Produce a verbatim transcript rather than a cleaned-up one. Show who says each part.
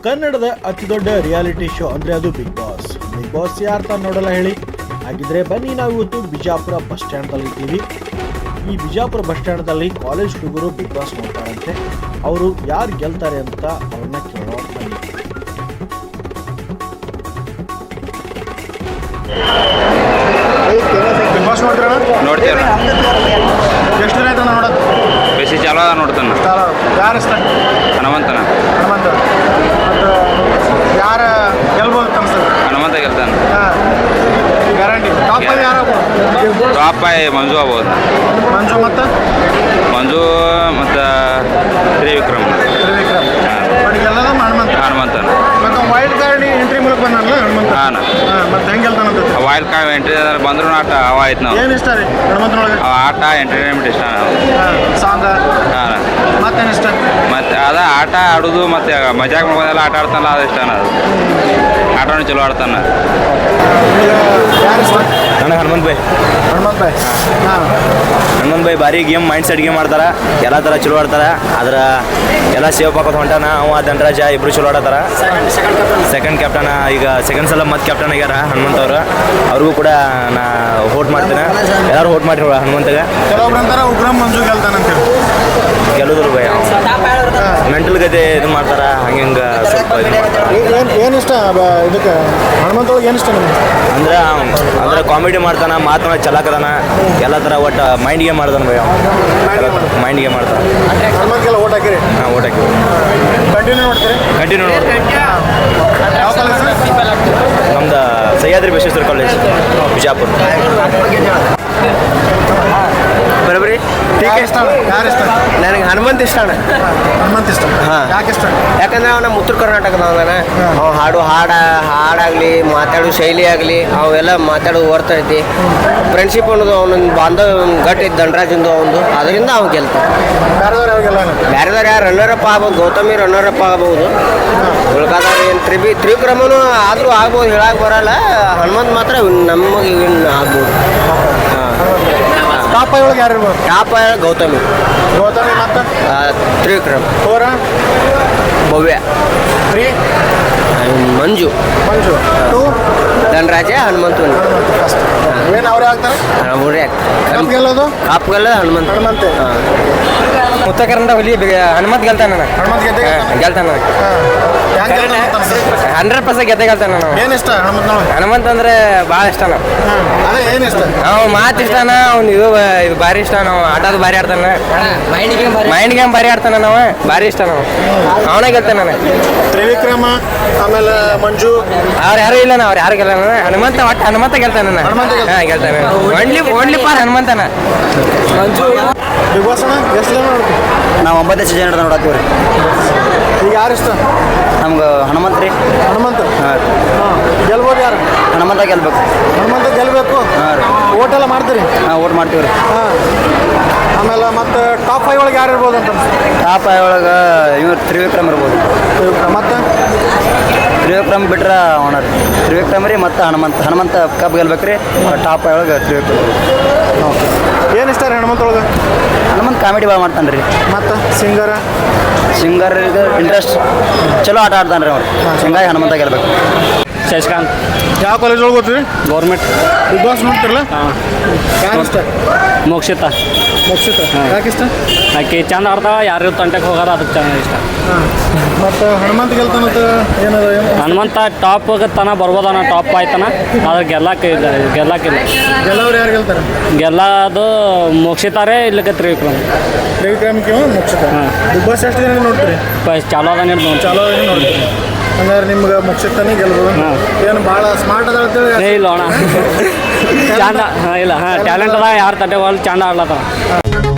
Speaker 1: ಕನ್ನಡದ ಅತಿ ದೊಡ್ಡ ರಿಯಾಲಿಟಿ ಶೋ ಅಂದ್ರೆ ಅದು ಬಿಗ್ ಬಾಸ್. ಬಿಗ್ ಬಾಸ್ ಯಾರು ತಾನು ನೋಡಲ್ಲ ಹೇಳಿ? ಹಾಗಿದ್ರೆ ಬನ್ನಿ, ನಾವು ಇವತ್ತು ಬಿಜಾಪುರ ಬಸ್ ಸ್ಟ್ಯಾಂಡ್ ದಲ್ಲಿ ಇದ್ದೀವಿ. ಈ ಬಿಜಾಪುರ ಬಸ್ ಸ್ಟ್ಯಾಂಡ್ ದಲ್ಲಿ ಕಾಲೇಜ್ ಹುಡುಗರು ಬಿಗ್ ಬಾಸ್ ನೋಡ್ತಾರಂತೆ. ಅವರು ಯಾರು ಗೆಲ್ತಾರೆ ಅಂತ ಅವ್ರನ್ನ ಕೇಳೋ ಬನ್ನಿ.
Speaker 2: ಬಿಗ್ ಬಾಸ್ ನೋಡ್ತೀರ?
Speaker 3: ನೋಡ್ತೀವಿ.
Speaker 2: ಎಷ್ಟು ದಿನ ಆಯ್ತು ನೋಡೋದು?
Speaker 3: ಬೇಸಿ ಚಾಲೋ ಅದ ನೋಡ್ತಾನ.
Speaker 2: ಯಾರು ಇಷ್ಟ?
Speaker 3: ಹನುಮಂತನ.
Speaker 2: ಹನುಮಂತ. ಮತ್ತು ಯಾರು ಗೆಲ್ಬೋದು ಅನ್ಸ್ತದೆ?
Speaker 3: ಹನುಮಂತ ಗೆಲ್ತಾನ.
Speaker 2: ಹಾಂ, ಗ್ಯಾರಂಟಿ. ಟಾಪ್ ಫೈವ್ ಯಾರು?
Speaker 3: ಟಾಪ್ ಫೈವ್ ಮಂಜು ಆಗ್ಬೋದು.
Speaker 2: ಮಂಜು ಮತ್ತು
Speaker 3: ಮಂಜು ಮತ್ತು ತ್ರಿವಿಕ್ರಮ್.
Speaker 2: ತ್ರಿವಿಕ್ರಮ್. ಬಟ್ ಗೆಲ್ಲದ ಹನುಮಂತ.
Speaker 3: ಹನುಮಂತನ.
Speaker 2: ಮತ್ತು ವೈಲ್ಡ್ ಕಾರ್ಡ್ ಎಂಟ್ರಿ ಮೂಲಕ ಬಂದಲ್ಲ ಹನುಮಂತ.
Speaker 3: ಹಾಂ.
Speaker 2: ಹಾಂ, ಮತ್ತು ಹೆಂಗೆ ಗೆಲ್ತಾನಂತ?
Speaker 3: ವೈಲ್ಡ್ ಕಾರ್ಡ್ ಎಂಟ್ರಿ ಬಂದ್ರು ಆಟ ಅವ ಆಯ್ತು ನಾವು.
Speaker 2: ಏನು ಇಷ್ಟ ರೀ ಹನುಮಂತನೊಳಗೆ?
Speaker 3: ಅವ ಆಟ ಎಂಟರ್ಟೈನ್ಮೆಂಟ್ ಇಷ್ಟ ನಾವು.
Speaker 2: ಹಾಂ, ಸಾಂಗ.
Speaker 3: ಹಾಂ.
Speaker 2: ಮತ್ತೇನು ಇಷ್ಟ?
Speaker 3: ಮತ್ತು ಅದ ಆಟ ಆಡೋದು ಮತ್ತು ಮಜಾಕ್ ಮಾಡ್ಬೋದೆಲ್ಲ ಆಟ ಆಡ್ತಾನಲ್ಲ, ಅದು ಇಷ್ಟ ಅದು. ಆಟನೂ ಚಲೋ ಆಡ್ತಾನ.
Speaker 2: ಯಾರು ಇಷ್ಟ?
Speaker 4: ನನಗೆ ಹನುಮಂತ್ ಬೈ.
Speaker 2: ಹನುಮಂತ ಬಾಯ್. ಹಾಂ,
Speaker 4: ಹನುಮಂತ್ ಬೈ ಭಾರಿ ಗೇಮ್ ಮೈಂಡ್ ಸೆಟ್ ಗೇಮ್ ಆಡ್ತಾರೆ. ಎಲ್ಲ ಥರ ಚಲೋ ಆಡ್ತಾರೆ. ಆದ್ರೆ ಎಲ್ಲ ಸೇವ್ ಹಾಕೋದು ಹೊಂಟಾನ. ಅವ ಧನರಾಜ ಇಬ್ಬರು ಚಲೋ ಆಡತ್ತಾರ. ಸೆಕೆಂಡ್ ಕ್ಯಾಪ್ಟನ್ ಈಗ ಸೆಕೆಂಡ್ ಸಲ ಮತ್ತೆ ಕ್ಯಾಪ್ಟನ್ ಆಗ್ಯಾರ ಹನುಮಂತ್ ಅವರು. ಅವ್ರಿಗೂ ಕೂಡ ನಾ ವೋಟ್ ಮಾಡ್ತೇನೆ. ಎಲ್ಲರೂ ವೋಟ್ ಮಾಡಿರೋ ಹನುಮಂತಗೆ.
Speaker 2: ಕೆಲವೊಬ್ರು ಅಂತಾರೆ ಉಗ್ರಂ ಮಂಜು ಗೆಲ್ತಾನಂತೇಳಿ.
Speaker 4: ಗೆಲ್ಲೋದ್ರು ಬೈ ಮೆಂಟಲ್ ಗತೆ ಇದು ಮಾಡ್ತಾರ. ಹಂಗೆ ಹಿಂಗೆ ಸ್ವಲ್ಪ ಇದು ಮಾಡ್ತಾರೆ.
Speaker 2: ಏನು ಏನು ಇಷ್ಟ ಬ- ಇದಕ್ಕೆ ಹನುಮಂತೊಳಗೆ ಏನು ಇಷ್ಟ ನಿಮಗೆ?
Speaker 4: ಅಂದ್ರೆ ಅಂದ್ರೆ ಕಾಮಿಡಿ ಮಾಡ್ತಾನ, ಮಾತನ್ನ ಚಲಾಕದಾನ. ಎಲ್ಲ ಥರ ಒಟ್ಟು ಮೈಂಡ್ ಗೇಮ್ ಮಾಡ್ತಾನೆ ಬೈ. ಮೈಂಡ್ ಗೇಮ್ ಮಾಡ್ತಾನೆ.
Speaker 2: ಹನುಮಂತಗೆಲ್ಲ ಓಟ್ ಹಾಕಿರಿ?
Speaker 4: ಹಾಂ, ಓಟ್ ಹಾಕಿ
Speaker 2: ಕಂಟಿನ್ಯೂ ನೋಡ್ತೀರಿ?
Speaker 4: ಕಂಟಿನ್ಯೂ ನೋಡ್ತೀವಿ.
Speaker 2: ಯಾವ ಕಾಲೇಜ್?
Speaker 4: ನಮ್ದು ಸಹ್ಯಾದ್ರಿ ಬಸವೇಶ್ವರ ಕಾಲೇಜ್ ಬಿಜಾಪುರ. ಬರೋಬ್ಬರಿ.
Speaker 2: ಯಾರು ಇಷ್ಟ? ಯಾರು ಇಷ್ಟ?
Speaker 5: ನನಗೆ ಹನುಮಂತ ಇಷ್ಟ ಅಣ್ಣ.
Speaker 2: ಹನುಮಂತ ಇಷ್ಟ.
Speaker 5: ಹಾಂ.
Speaker 2: ಯಾಕೆ ಇಷ್ಟ?
Speaker 5: ಯಾಕಂದ್ರೆ ಅವ್ನು ನಮ್ಮ ಉತ್ತರ ಕರ್ನಾಟಕದವನ. ಅವ್ನು ಹಾಡು ಹಾಡ ಹಾಡಾಗಲಿ, ಮಾತಾಡೋ ಶೈಲಿ ಆಗಲಿ, ಅವೆಲ್ಲ ಮಾತಾಡೋ ವರ್ತ ಐತಿ. ಫ್ರೆಂಡ್ಶಿಪ್ ಅನ್ನೋದು ಅವನೊಂದು ಬಾಂಧವ ಗಟ್ಟಿ ಐತಿ ಧನರಾಜಂದು ಅವನು. ಅದರಿಂದ ಅವ್ನು ಗೆಲ್ತಾನೆ.
Speaker 2: ಬೇರೆದವ್ರು ಯಾವಾಗೆಲ್ಲ
Speaker 5: ಬೇರೆದವ್ರು ಯಾರು ರನ್ನರಪ್ಪ ಆಗ್ಬೋದು. ಗೌತಮಿ ರನ್ನರಪ್ಪ ಆಗ್ಬೋದು. ಉಳ್ಕಾದವ್ರು ಏನು ತ್ರಿಬಿ ತ್ರಿವಿಕ್ರಮನು ಆದರೂ ಆಗ್ಬೋದು, ಹೇಳಕ್ಕೆ ಬರಲ್ಲ. ಹನುಮಂತ್ ಮಾತ್ರ ನಮಗೆ ವಿನ್ ಆಗ್ಬೋದು.
Speaker 2: ಟಾಪ್ ಫೈವ್ ಒಳಗೆ ಯಾರು ಇರ್ಬೋದು?
Speaker 5: ಟಾಪ್ ಗೌತಮಿ,
Speaker 2: ಗೌತಮಿ ಮತ್ತು
Speaker 5: ಆ, Trivikram,
Speaker 2: four
Speaker 5: Bhavya,
Speaker 2: three
Speaker 5: Manju,
Speaker 2: Manju, two
Speaker 5: Dhanaraj, Hanumantha.
Speaker 2: First ಏನು ಅವರೇ ಆಗ್ತಾರೆ?
Speaker 5: ಅವರೇ
Speaker 2: ಕಪ್ ಗೆಲ್ಲೋದು
Speaker 5: ಕಾಪ್ಗೆಲ್ಲ ಹನುಮಂತ.
Speaker 2: ಹನುಮಂತ.
Speaker 5: ಉತ್ತರ ಕನ್ನಡ ಹುಲಿ ಹನುಮಂತ ಗೆಲ್ತಾನ.
Speaker 2: ಹನುಮಂತ ಗೆದ್ದೆ
Speaker 5: ಗೆಲ್ತಾನ.
Speaker 2: ಯಾಕೆ
Speaker 5: ಹಂಡ್ರೆಡ್ ಪರ್ಸೆಂಟ್ ಗೆದ್ದೆ ಗೆಲ್ತಾನ. ನಾವು
Speaker 2: ಏನು ಇಷ್ಟ ಹನುಮಂತನೊಳಗೆ?
Speaker 5: ಹನುಮಂತ ಅಂದ್ರೆ ಭಾಳ ಇಷ್ಟ ನಾವು.
Speaker 2: ಅದೇ ಏನು ಇಷ್ಟ?
Speaker 5: ನಾವು ಮಾತು ಇಷ್ಟನ. ಅವ್ನು ಇದು ಇದು ಭಾರಿ ಇಷ್ಟ. ನಾವು ಆಟೋದು ಭಾರಿ ಆಡ್ತಾನೆ. ಮೈಂಡ್ ಗೇಮ್ ಭಾರಿ ಆಡ್ತಾನೆ. ನಾವು ಭಾರಿ ಇಷ್ಟ. ನಾವು ಅವನೇ ಗೆಲ್ತಾನೆ. ನನಗೆ
Speaker 2: ತ್ರಿವಿಕ್ರಮ, ಆಮೇಲೆ ಮಂಜು,
Speaker 5: ಅವ್ರು ಯಾರು ಇಲ್ಲ. ಅವ್ರು ಯಾರು ಗೆಲ್ಲ. ಹನುಮಂತ ಒಟ್ಟು ಹನುಮಂತ ಗೆಲ್ತಾನೆ.
Speaker 2: ಹನುಮಂತ ಗೆಲ್ತಾನೆ.
Speaker 5: ಹಾಂ, ಗೆಲ್ತಾನೆ. ಓನ್ಲಿ ಓನ್ಲಿ ಪಾರ್ ಹನುಮಂತನ. ಮಂಜು
Speaker 2: ಬಿಗ್ ಬಾಸ್ ಅಣ್ಣ ಎಷ್ಟು ಜನ ನೋಡ್ತೀವಿ?
Speaker 4: ನಾವು ಒಂಬತ್ತು ಜನ ನೋಡತ್ತೀವಿ ರೀ.
Speaker 2: ಈಗ ಯಾರು ಇಷ್ಟ?
Speaker 4: ನಮ್ಗೆ ಹನುಮಂತ ರೀ.
Speaker 2: ಹನುಮಂತ.
Speaker 4: ಹಾಂ.
Speaker 2: ಹಾಂ, ಗೆಲ್ಬೋದು ಯಾರು?
Speaker 4: ಹನುಮಂತ ಗೆಲ್ಬೇಕು.
Speaker 2: ಹನುಮಂತ ಗೆಲ್ಲಬೇಕು.
Speaker 4: ಹಾಂ ರೀ.
Speaker 2: ಓಟೆಲ್ಲ ಮಾಡ್ತೀರಿ?
Speaker 4: ಹಾಂ, ಓಟ್ ಮಾಡ್ತೀವಿ ರೀ.
Speaker 2: ಹಾಂ. ಆಮೇಲೆ ಮತ್ತು ಟಾಪ್ ಫೈವ್ ಒಳಗೆ ಯಾರು ಇರ್ಬೋದು ಅಂತ?
Speaker 4: ಟಾಪ್ ಒಳಗೆ ಇವ್ರು ತ್ರಿವಿಕ್ರಮ್ ಇರ್ಬೋದು.
Speaker 2: ಮತ್ತು
Speaker 4: ತ್ರಿವಿಕ್ರಮ್ ಬಿಟ್ರೆ ಓನರ್ ತ್ರಿವಿಕ್ರಮ್ ರೀ. ಮತ್ತು ಹನುಮಂತ ಹನುಮಂತ ಕಪ್ ಗೆಲ್ಬೇಕು ರೀ. ಟಾಪ್ ಒಳಗೆ ತ್ರಿವಿಕ್ರಮ್.
Speaker 2: ಏನು ಇಷ್ಟ ರೀ ಹನುಮಂತ ಒಳಗೆ?
Speaker 4: ಹನುಮಂತ ಕಾಮಿಡಿ ಭಾಳ ಮಾಡ್ತಾನೆ ರೀ.
Speaker 2: ಮತ್ತು ಸಿಂಗರ
Speaker 4: ಸಿಂಗರ್ ಇಂಟ್ರೆಸ್ಟ್ ಚಲೋ ಆಟ ಆಡ್ತಾನೆ ರೀ ಅವ್ರು. ಹಿಂಗಾಗಿ ಹನುಮಂತ ಗೆಲ್ಬೇಕು.
Speaker 3: ಶಶಿಕಾಂತ್.
Speaker 2: ಯಾವ ಕಾಲೇಜ್ ಒಳಗೆ ಓದ್ತೀವಿ?
Speaker 3: ಗೌರ್ಮೆಂಟ್.
Speaker 2: ಬಿಗ್ ಬಾಸ್ ನೋಡ್ತಿರಲ್ಲ?
Speaker 3: ಹಾಂ.
Speaker 2: ಯಾರು ಇಷ್ಟ?
Speaker 3: ಮೋಕ್ಷಿತ.
Speaker 2: ಮೋಕ್ಷಿತ. ಯಾಕೆ ಇಷ್ಟ?
Speaker 3: ಆಕೆ ಚಂದ ಆಡ್ತಾವ. ಯಾರು ತಂಟಕ್ಕೆ ಹೋಗೋದು ಅದಕ್ಕೆ ಚಂದ ಇಷ್ಟ.
Speaker 2: ಹಾಂ. ಮತ್ತು ಹನುಮಂತ ಗೆಲ್ತಾನಂತ ಏನದ?
Speaker 3: ಹನುಮಂತ ಟಾಪ್ ತನ ಬರ್ಬೋದನ. ಟಾಪ್ ಆಯ್ತಾನ. ಆದ್ರೆ ಗೆಲ್ಲಕ್ಕೆ ಗೆಲ್ಲಕ್ಕಿಲ್ಲ.
Speaker 2: ಗೆಲ್ಲವ್ರು ಯಾರು ಗೆಲ್ತಾರೆ?
Speaker 3: ಗೆಲ್ಲದು ಮೋಕ್ಷಿತಾರೆ. ಇಲ್ಲಕ್ಕೆ ತ್ರಿವಿಕ್ರಮ್.
Speaker 2: ತ್ರಿವಿಕ್ರಮ್ಗೆ ಮೋಕ್ಷಿತ.
Speaker 3: ಹಾಂ.
Speaker 2: ಬಿಗ್ ಬಾಸ್ ಎಷ್ಟು ಜನ ನೋಡ್ತೀರಿ?
Speaker 3: ಚಾಲೋ ಅದ ನೋಡಿ.
Speaker 2: ಚಾಲೋ ನೋಡ್ತೀರಿ. ಹಂಗಾರೆ ನಿಮ್ಗೆ ಮೋಕ್ಷಿತನೇ ಗೆಲ್ಬೋದು.
Speaker 3: ಹಾಂ.
Speaker 2: ಏನು ಭಾಳ ಸ್ಮಾರ್ಟ್ ಅದ ಅಂತೇಳಿ?
Speaker 3: ಏ ಇಲ್ಲ ಅಣ್ಣ. ಚಂದ. ಹಾಂ, ಇಲ್ಲ. ಹಾಂ, ಟ್ಯಾಲೆಂಟ್ ಅದ. ಯಾರು ತಟ್ಟೆ ಹೋಗಲ್ಲ. ಚಂದ ಆಡ್ಲತ್ತಾವ.